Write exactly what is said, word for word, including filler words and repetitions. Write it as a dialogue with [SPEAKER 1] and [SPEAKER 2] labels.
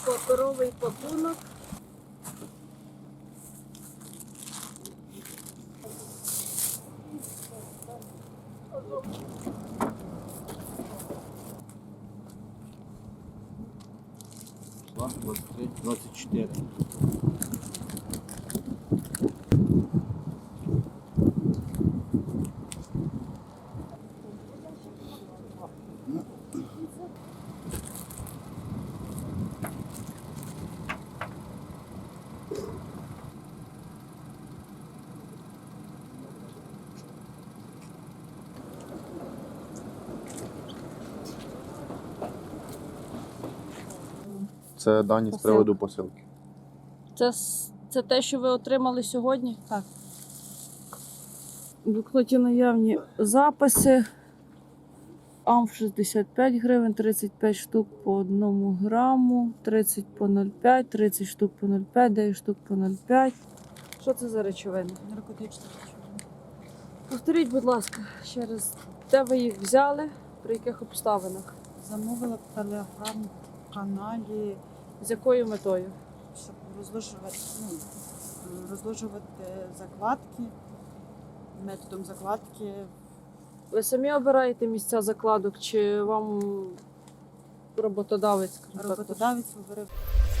[SPEAKER 1] паперовий пакунок.
[SPEAKER 2] двадцять три, двадцять чотири.
[SPEAKER 3] Це дані з приводу посилки.
[SPEAKER 1] Це, с- це те, що ви отримали сьогодні?
[SPEAKER 4] Так.
[SPEAKER 1] В блокноті наявні записи. Амф шістдесят п'ять гривень, тридцять п'ять штук по одному граму, тридцять по нуль цілих п'ять, тридцять штук по нуль цілих п'ять, дев'ять штук по нуль цілих п'ять. Що це за речовини?
[SPEAKER 4] Наркотичні речовини.
[SPEAKER 1] Повторіть, будь ласка, ще раз, де ви їх взяли, при яких обставинах,
[SPEAKER 4] Замовила в телеграм-каналі,
[SPEAKER 1] з якою метою?
[SPEAKER 4] щоб розложувати, ну, розложувати закладки, методом закладки.
[SPEAKER 1] Ви самі обираєте місця закладок, чи вам роботодавець, скажімо так,
[SPEAKER 4] Роботодавець говорив.